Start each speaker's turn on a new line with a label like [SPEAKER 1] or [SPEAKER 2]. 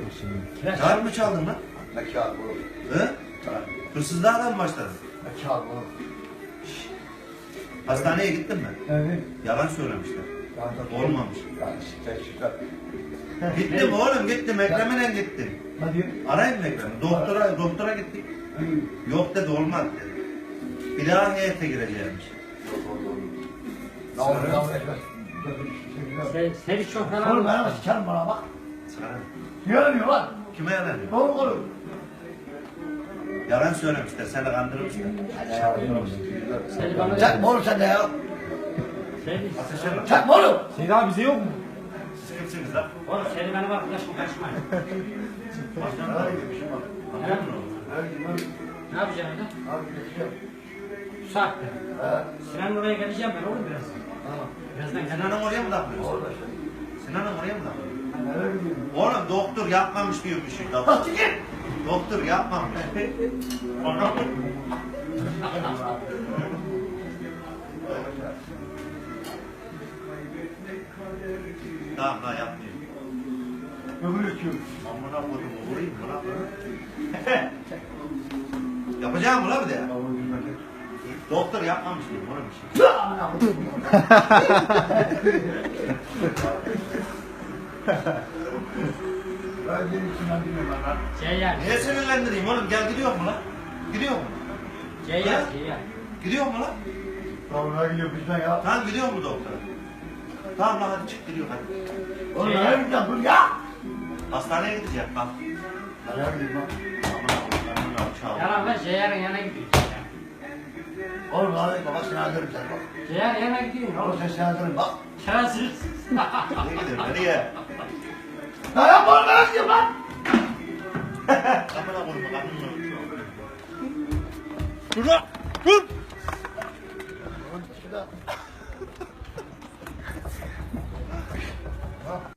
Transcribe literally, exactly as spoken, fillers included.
[SPEAKER 1] Kağıt mı çaldın lan?
[SPEAKER 2] Ne kağıt oğlum?
[SPEAKER 1] He? Hırsızlığa mı başladın?
[SPEAKER 2] Ne kağıt oğlum?
[SPEAKER 1] Hastaneye gittin mi?
[SPEAKER 2] Evet.
[SPEAKER 1] Yalan söylemişler. Olmamış.
[SPEAKER 2] Yani şiddet şiddet.
[SPEAKER 1] Gittim oğlum gittim Ekrem'le gittim.
[SPEAKER 2] Hadi.
[SPEAKER 1] Arayın mı Ekrem'i? Doktora, doktora gittik. Yok dedi olmaz dedi. Bir daha heyete gireceğimiş.
[SPEAKER 2] Ne olur ne olur.
[SPEAKER 3] Sen, seni çok
[SPEAKER 2] Oğlum
[SPEAKER 3] falan...
[SPEAKER 2] bana bak sikerim bana bak.
[SPEAKER 1] Sana.
[SPEAKER 2] Yalanıyor lan.
[SPEAKER 1] Kime yalanıyor?
[SPEAKER 2] Doğru oğlum.
[SPEAKER 1] Yalan söylemişler, seni kandırmışlar.
[SPEAKER 3] Seni bana...
[SPEAKER 2] Çakma oğlum sen de ya.
[SPEAKER 3] Seni...
[SPEAKER 1] Ateşe bak.
[SPEAKER 2] Çakma oğlum.
[SPEAKER 4] Seyit abi bize yok mu?
[SPEAKER 1] Siz kimsiniz lan?
[SPEAKER 3] Oğlum seni bana bak, ulaşma kaçmayın.
[SPEAKER 1] Başkan var. Anladın mı?
[SPEAKER 3] Ne yapacaksın orada? Bu saatte. Sinan'ın oraya geleceğim ben oğlum biraz. Birazdan gel.
[SPEAKER 1] Sinan'ın oraya mı takmıyorsun?
[SPEAKER 2] Orada işte.
[SPEAKER 1] Sinan'ın oraya mı takmıyorsun?
[SPEAKER 2] Nereye gidiyorsun?
[SPEAKER 1] Oğlum doktor yapmamış diyormuş.
[SPEAKER 2] Ha sikir.
[SPEAKER 1] Doktor yapmamış. Tamam daha yapmıyorum.
[SPEAKER 2] Ömür içiyorum.
[SPEAKER 1] Amına koydum vurayım mı lan? Yapacağım mı lan bir de? Doktor yapmamış diyorum oğlum bir şey.
[SPEAKER 2] Ben senin için anlıyorum lan.
[SPEAKER 3] Ceyhan.
[SPEAKER 1] Niye sinirlendireyim oğlum? Gel gidiyor mu lan? Gidiyor mu?
[SPEAKER 3] Ceyhan. Ceyhan.
[SPEAKER 1] Gidiyor mu lan?
[SPEAKER 2] Sonra gidiyor bizden ya.
[SPEAKER 1] Tamam gidiyor mu doktora? Tamam lan hadi çık gidiyor hadi.
[SPEAKER 2] Oğlum nereye gideceğim dur ya.
[SPEAKER 1] Hastaneye gidecek bak.
[SPEAKER 2] Nereye gideyim lan?
[SPEAKER 1] Amına koydum çağır.
[SPEAKER 3] Yalan ben Ceyhan'ın yanına gidiyorum.
[SPEAKER 2] Oğlum hadi baba seni alırım sen bak.
[SPEAKER 3] Ceyhan'ın yanına gidiyorum
[SPEAKER 2] Oğlum
[SPEAKER 3] oğlum.
[SPEAKER 2] sen seni alırım bak.
[SPEAKER 3] Şerefsiz.
[SPEAKER 1] Nereye gidiyor? Nereye?
[SPEAKER 2] Lan yapma oğlum nereye gidiyorum lan?
[SPEAKER 1] Amına koydum amına. Dur lan! Dur!
[SPEAKER 2] Oğlum şurada.